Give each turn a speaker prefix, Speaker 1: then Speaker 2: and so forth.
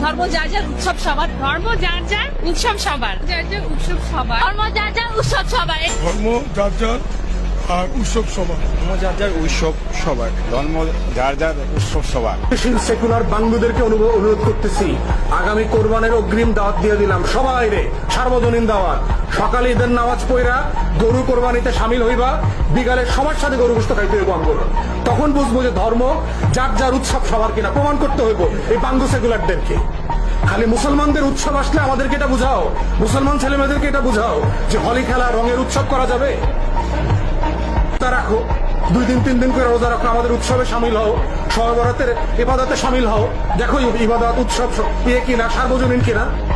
Speaker 1: ধর্ম যার যার উৎসব সবার, ধর্ম যার যার উৎসব সবার, যার যার উৎসব সবার, ধর্ম যার যার উৎসব সবার,
Speaker 2: ধর্ম যার যার আর উৎসব সবার,
Speaker 3: ধর্ম যার যার উৎসব সবার, ধর্ম যার যার উৎসব সবার।
Speaker 4: সেকুলার বাঙ্গুদেরকে অনুরোধ করতেছি, আগামী কোরবানের অগ্রিম দাওয়াত দিয়ে দিলাম সবাই রে, সার্বজনীন দাওয়াত। সকালে ঈদের নামাজ পড়া গরু কোরবানিতে সামিল হইবা, বিকালে সবার সাথে গরু গোশত খাইতে হইব আমগুলো। তখন বুঝবো যে ধর্ম যার যার উৎসব সবার কিনা, প্রমাণ করতে হইব এই বাঙ্গু সেকুলারদেরকে। খালি মুসলমানদের উৎসব আসলে আমাদেরকে এটা বুঝাও, মুসলমান ছেলেমেয়েদেরকে এটা বুঝাও যে হোলি খেলা রঙের উৎসব করা যাবে। রাখো 2 দিন 3 দিন করে রোজা রাখো, আমাদের উৎসবে সামিল হও, শবে বরাতের ইবাদতে সামিল হও, দেখো ইবাদত উৎসব কিনা, সার্বজনীন কিনা।